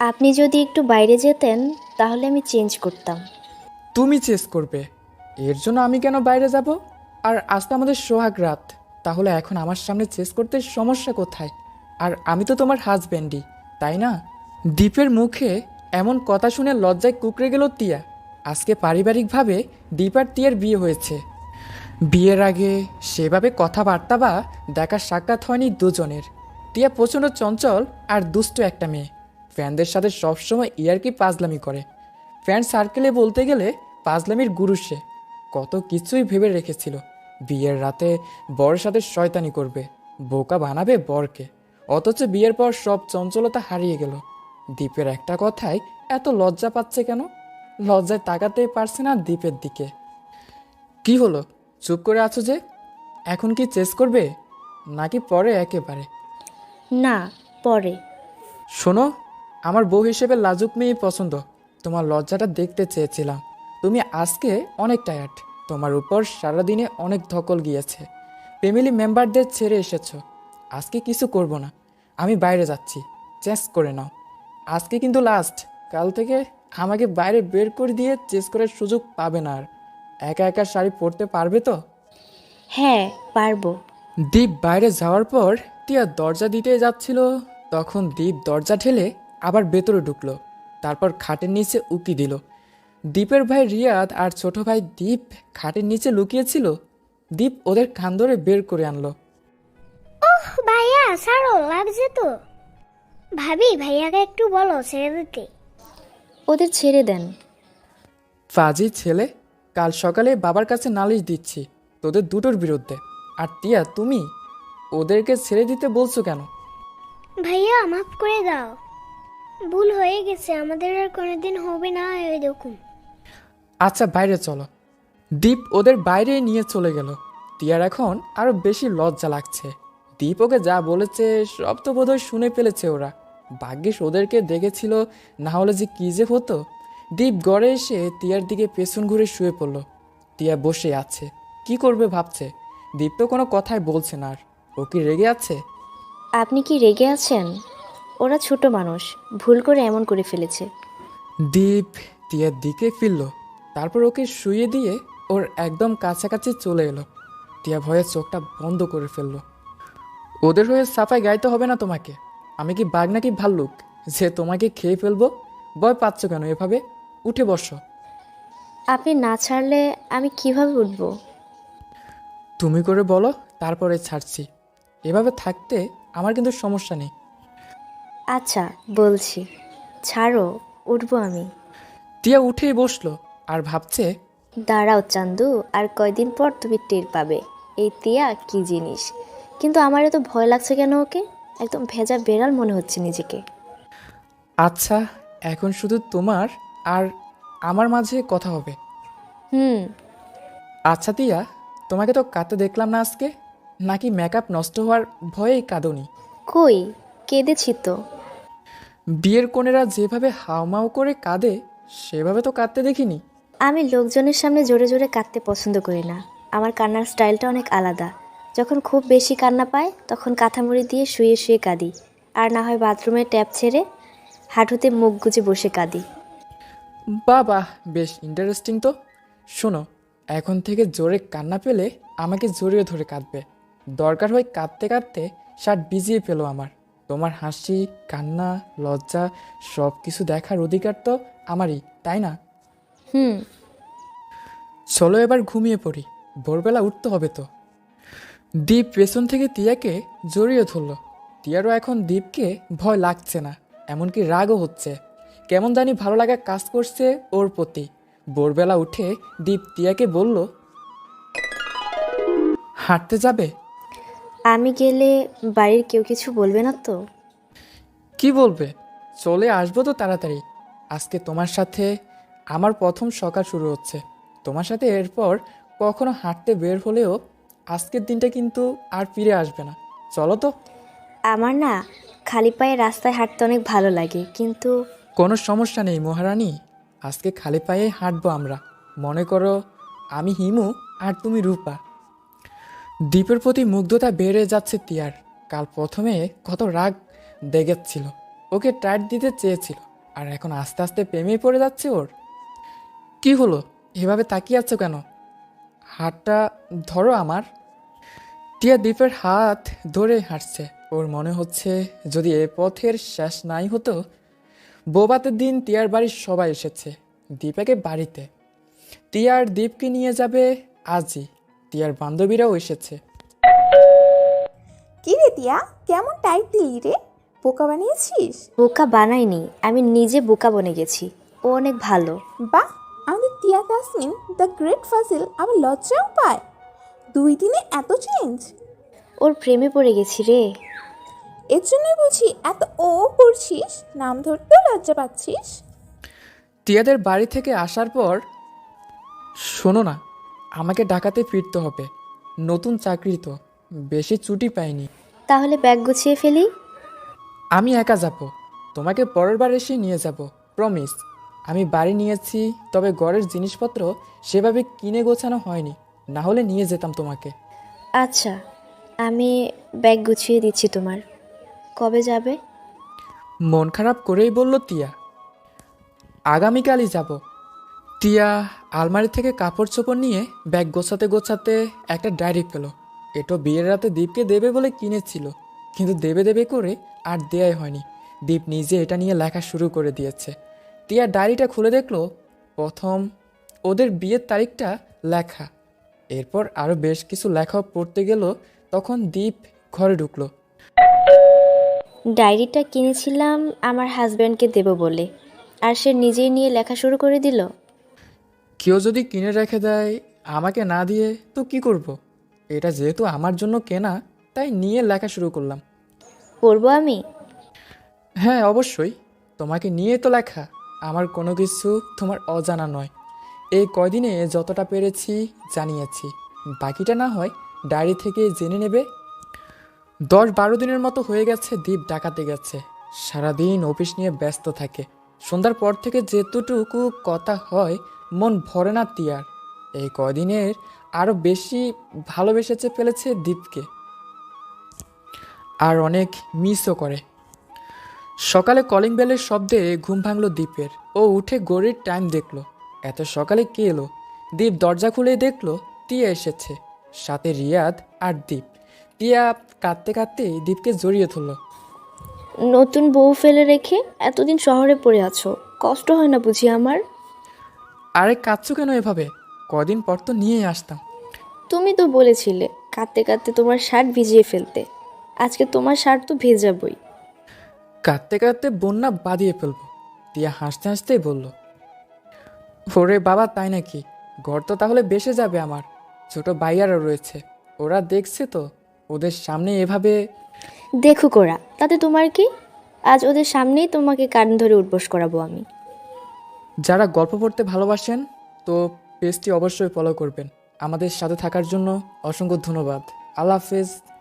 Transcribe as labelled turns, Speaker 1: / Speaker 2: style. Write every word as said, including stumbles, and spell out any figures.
Speaker 1: আপনি যদি একটু বাইরে যেতেন তাহলে আমি চেঞ্জ করতাম।
Speaker 2: তুমি চেস করবে, এর জন্য আমি কেন বাইরে যাব? আর আজ তো আমাদের সোহাগ রাত, তাহলে এখন আমার সামনে চেস করতে সমস্যা কোথায়? আর আমি তো তোমার হাজব্যান্ডই, তাই না? দীপের মুখে এমন কথা শুনে লজ্জায় কুঁকড়ে গেল তিয়া। আজকে পারিবারিকভাবে দীপ আর তিয়ার বিয়ে হয়েছে। বিয়ের আগে সেভাবে কথাবার্তা বা দেখার সাক্ষাৎ হয়নি দুজনের। টিয়া প্রচণ্ড চঞ্চল আর দুষ্ট একটা মেয়ে। ফ্যানদের সাথে সবসময় ইয়ারকি পাজলামি করে। ফ্যান সার্কেলে বলতে গেলে পাজলামির গুরু সে। কত কিছুই ভেবে রেখেছিল। বিয়ের রাতে বরের সাথে শয়তানি করবে, বোকা বানাবে বরকে। অথচ বিয়ের পর সব চঞ্চলতা হারিয়ে গেল। দীপের একটা কথায় এত লজ্জা পাচ্ছে কেন? লজ্জায় তাকাতেই পারছে না দীপের দিকে। কি হলো, চুপ করে আছো যে? এখন কি চেস করবে নাকি পরে একেবারে?
Speaker 1: না, পরে।
Speaker 2: শোনো, আমার বউ হিসেবে লাজুক মেয়ে পছন্দ। তোমার লজ্জাটা দেখতে চেয়েছিলাম। তুমি আজকে অনেক টায়ার্ড, তোমার উপর সারাদিনে অনেক ধকল গিয়েছে। ফ্যামিলি মেম্বারদের ছেড়ে এসেছো। আজকে কিছু করব না, আমি বাইরে যাচ্ছি, চেস করে নাও। আজকে কিন্তু লাস্ট, কাল থেকে আমাকে বাইরে বের করে দিয়ে চেস করার সুযোগ পাবে না আর। একা একা শাড়ি পরতে পারবে তো?
Speaker 1: হ্যাঁ, পারবো।
Speaker 2: দীপ বাইরে যাওয়ার পর টিয়া দরজা দিতে যাচ্ছিল, তখন দীপ দরজা ঠেলে আবার ভেতরে ঢুকলো। তারপর খাটের নিচে উকি দিল। দীপের ভাই রিয়াদ আর ছোট ভাই দীপ খাটের নিচে লুকিয়েছিল। দীপ ওদের কান ধরে বের করে আনলো।
Speaker 3: ওহ ভাইয়া ছাড়ো, লাগছে তো। ভাবি ভাইয়াকে একটু বলো ছেড়ে দিতে।
Speaker 1: ওদের ছেড়ে দেন।
Speaker 2: ফাজি ছেলে, কাল সকালে বাবার কাছে নালিশ দিচ্ছি তোদের দুটোর বিরুদ্ধে। আর টিয়া, তুমি ওদেরকে ছেড়ে দিতে বলছো কেন?
Speaker 3: ভাইয়া মাফ করে দাও, ভুল হয়ে গেছে, আমাদের আর কোনোদিন হবে না এরকম।
Speaker 2: আচ্ছা বাইরে চলো। দীপ ওদের বাইরে নিয়ে চলে গেল। টিয়ার এখন আরো বেশি লজ্জা লাগছে। দীপ ওকে যা বলেছে সব তো বোধহয় শুনে ফেলেছে ওরা। ভাগ্যিস ওদেরকে দেখেছিল, না হলে যে কী যে হতো। দীপ গড়ে এসে টিয়ার দিকে পেছন ঘুরে শুয়ে পড়ল। টিয়া বসে আছে, কি করবে ভাবছে। দীপ তো কোনো কথাই বলছে না। আর ও কি রেগে আছে?
Speaker 1: আপনি কি রেগে আছেন? ওরা ছোট মানুষ, ভুল করে এমন করে ফেলেছে।
Speaker 2: দীপ টিয়ার দিকে ফিরল, তারপর ওকে শুয়ে দিয়ে ওর একদম কাছাকাছি চলে এলো। টিয়া ভয়ে চোখটা বন্ধ করে ফেললো। ওদের হয়ে সাফাই গাইতে হবে না তোমাকে। আমি কি বাঘ নাকি ভাল্লুক যে তোমাকে খেয়ে ফেলবো? ভয় পাচ্ছ কেন এভাবে? উঠে বসো।
Speaker 1: আপনি না ছাড়লে আমি কিভাবে উঠব?
Speaker 2: তুমি করে বলো, তারপরে ছাড়ছি। এভাবে থাকতে আমার কিন্তু সমস্যা নেই।
Speaker 1: আচ্ছা, বলছি। ছাড়ো, উঠবো আমি।
Speaker 2: টিয়া উঠেই বসলো আর ভাবছে।
Speaker 1: দাঁড়াও চান্দু, আর কয়দিন পর তুমি টের পাবে এই তিয়া কি জিনিস। কিন্তু আমার এত ভয় লাগছে কেন ওকে? একদম ভেজা বেড়াল মনে হচ্ছে নিজেকে।
Speaker 2: আচ্ছা, এখন শুধু তোমার আর আমার মাঝে কথা হবে।
Speaker 1: হুম।
Speaker 2: আচ্ছা টিয়া, তোমাকে তো কাঁদতে দেখলাম না আজকে। নাকি মেকআপ নষ্ট হওয়ার ভয়েই কাঁদোনি?
Speaker 1: কই, কেঁদেছি তো।
Speaker 2: বিয়ের কনেরা যেভাবে হাউমাউ করে কাঁদে সেভাবে তো কাঁদতে দেখিনি।
Speaker 1: আমি লোকজনের সামনে জোরে জোরে কাঁদতে পছন্দ করি না। আমার কান্নার স্টাইলটা অনেক আলাদা। যখন খুব বেশি কান্না পায় তখন কাঁথামুড়ি দিয়ে শুয়ে শুয়ে কাঁদি। আর না হয় বাথরুমে ট্যাপ ছেড়ে হাঁটুতে মুখ গুজে বসে কাঁদি।
Speaker 2: বাবা, বেশ ইন্টারেস্টিং তো। শোনো, এখন থেকে জোরে কান্না পেলে আমাকে জড়িয়ে ধরে কাঁদবে। দরকার হয় কাঁদতে কাঁদতে শার্ট ভিজিয়ে ফেলো আমার। তোমার হাসি, কান্না, লজ্জা সব কিছু দেখার অধিকার তো আমারই, তাই না?
Speaker 1: হুম।
Speaker 2: চলো এবার ঘুমিয়ে পড়ি, ভোরবেলা উঠতে হবে তো। দীপ পেছন থেকে টিয়াকে জড়িয়ে ধরল। টিয়ারও এখন দীপকে ভয় লাগছে না, এমনকি রাগও হচ্ছে। কেমন জানি ভালো লাগা কাজ করছে ওর প্রতি। ভোরবেলা উঠে দীপ টিয়াকে বলল, হাঁটতে যাবে?
Speaker 1: আমি গেলে বাড়ির কেউ কিছু বলবে না তো?
Speaker 2: কি বলবে, চলে আসবো তো তাড়াতাড়ি। আজকে তোমার সাথে আমার প্রথম সকাল শুরু হচ্ছে। তোমার সাথে এরপর কখনো হাঁটতে বের হলেও আজকের দিনটা কিন্তু আর ফিরে আসবে না। চলো তো।
Speaker 1: আমার না খালি পায়ে রাস্তায় হাঁটতে অনেক ভালো লাগে, কিন্তু
Speaker 2: কোনো সমস্যা নেই মহারানী, আজকে খালি পায়ে হাঁটবো আমরা। মনে করো আমি হিমু আর তুমি রূপা। দ্বীপের প্রতি মুগ্ধতা বেড়ে যাচ্ছে তিয়ার। কাল প্রথমে কত রাগ দেখাচ্ছিল, ওকে টাইট দিতে চেয়েছিল, আর এখন আস্তে আস্তে প্রেমেই পড়ে যাচ্ছে ওর। কি হলো, এভাবে তাকিয়ে আছো কেন? হাতটা ধরো আমার। টিয়া দীপের হাত ধরে হাঁটছে। ওর মনে হচ্ছে যদি এ পথের শেষ নাই হতো। বৌভাতের দিন টিয়ার বাড়ির সবাই এসেছে দীপাকে বাড়িতে। টিয়ার দীপকে নিয়ে যাবে আজই। টিয়ার বান্ধবীরাও এসেছে।
Speaker 4: কি রে তিয়া, কেমন টাইট দিলি রে? বোকা বানিয়েছিস?
Speaker 1: বোকা বানাইনি, আমি নিজে বোকা বনে গেছি। ও অনেক ভালো।
Speaker 4: বাহ, আমাদের তিয়া তাসমিন দ্য গ্রেট ফাজিল আবার লজ্জাও পায়। দুই দিনে এত চেঞ্জ!
Speaker 1: ওর প্রেমে পড়ে গেছি রে।
Speaker 4: এর জন্যই বুঝি এত ও করছিস, নাম ধরতেও লজ্জা পাচ্ছিস।
Speaker 2: টিয়াদের বাড়ি থেকে আসার পর, শোনো না, আমাকে ঢাকাতে ফিরতে হবে। নতুন চাকরি তো, বেশি ছুটি পাইনি।
Speaker 1: তাহলে ব্যাগ গুছিয়ে ফেলি।
Speaker 2: আমি একা যাব, তোমাকে পরের বার এসে নিয়ে যাব, প্রমিস। আমি বাড়ি নিয়েছি, তবে ঘরের জিনিসপত্র সেভাবে কিনে গোছানো হয়নি, না হলে নিয়ে যেতাম তোমাকে।
Speaker 1: আচ্ছা, আমি ব্যাগ গুছিয়ে দিচ্ছি তোমার। কবে যাবে?
Speaker 2: মন খারাপ করেই বলল টিয়া। আগামীকালই যাব। টিয়া আলমারি থেকে কাপড় চোপড় নিয়ে ব্যাগ গোছাতে গোছাতে একটা ডায়েরি পেল। এটো বিয়ের রাতে দীপকে দেবে বলে কিনেছিল, কিন্তু দেবে দেবে করে আর দেয়াই হয়নি। দীপ নিজে এটা নিয়ে লেখা শুরু করে দিয়েছে। টিয়া ডায়েরিটা খুলে দেখলো প্রথম ওদের বিয়ের তারিখটা লেখা। এরপর আরও বেশ কিছু লেখা পড়তে গেল, তখন দীপ ঘরে ঢুকলো।
Speaker 1: ডায়েরিটা কিনেছিলাম আমার হাজব্যান্ডকে দেব বলে, আর সে নিজেই নিয়ে লেখা শুরু করে দিল।
Speaker 2: কেউ যদি কিনে রেখে দেয় আমাকে না দিয়ে, তো কি করব? এটা যেহেতু আমার জন্য কেনা, তাই নিয়ে লেখা শুরু করলাম।
Speaker 1: পড়বো আমি?
Speaker 2: হ্যাঁ অবশ্যই, তোমাকে নিয়ে তো লেখা। আমার কোনো কিছু তোমার অজানা নয়। এই কয়দিনে যতটা পেরেছি জানিয়েছি, বাকিটা না হয় ডায়েরি থেকে জেনে নেবে। দশ বারো দিনের মতো হয়ে গেছে দীপ ডাকাতে গেছে। সারাদিন অফিস নিয়ে ব্যস্ত থাকে। সন্ধ্যার পর থেকে যেতটুকু কথা হয়, মন ভরে না টিয়ার। এই কদিনের আরও বেশি ভালোবেসেছে ফেলেছে দীপকে, আর অনেক মিসও করে। সকালে কলিং বেলের শব্দে ঘুম ভাঙল দীপের। ও উঠে ঘড়ির টাইম দেখলো। এত সকালে কে এলো? দীপ দরজা খুলে দেখলো টিয়া এসেছে, সাথে রিয়াদ আর দীপ। টিয়া কাঁদতে কাঁদতে দীপকে জড়িয়ে ধরল।
Speaker 1: নতুন বউ ফেলে রেখে এতদিন শহরে পড়ে আছো, কষ্ট হয় না বুঝি আমার?
Speaker 2: আরে কাঁদছো কেন এভাবে? কদিন পর তো নিয়েই আসতাম।
Speaker 1: তুমি তো বলেছিলে কাঁদতে কাঁদতে তোমার শার্ট ভিজিয়ে ফেলতে। আজকে তোমার শার্ট তো ভেজাবই।
Speaker 2: কাঁদতে কাঁদতে বন্যা বাঁধিয়ে ফেলবো। টিয়া হাসতে হাসতেই বলল, ওরে বাবা, তাই নাকি? ঘর তো তাহলে বেসে যাবে আমার। ছোট ভাইয়ারা রয়েছে, ওরা দেখছে তো, ওদের সামনে এভাবে।
Speaker 1: দেখুক ওরা, তাতে তোমার কি? আজ ওদের সামনেই তোমাকে কান ধরে উঠবোস করাবো আমি।
Speaker 2: যারা গল্প পড়তে ভালোবাসেন, তো পেজটি অবশ্যই ফলো করবেন। আমাদের সাথে থাকার জন্য অসংখ্য ধন্যবাদ। আল্লাহ হাফেজ।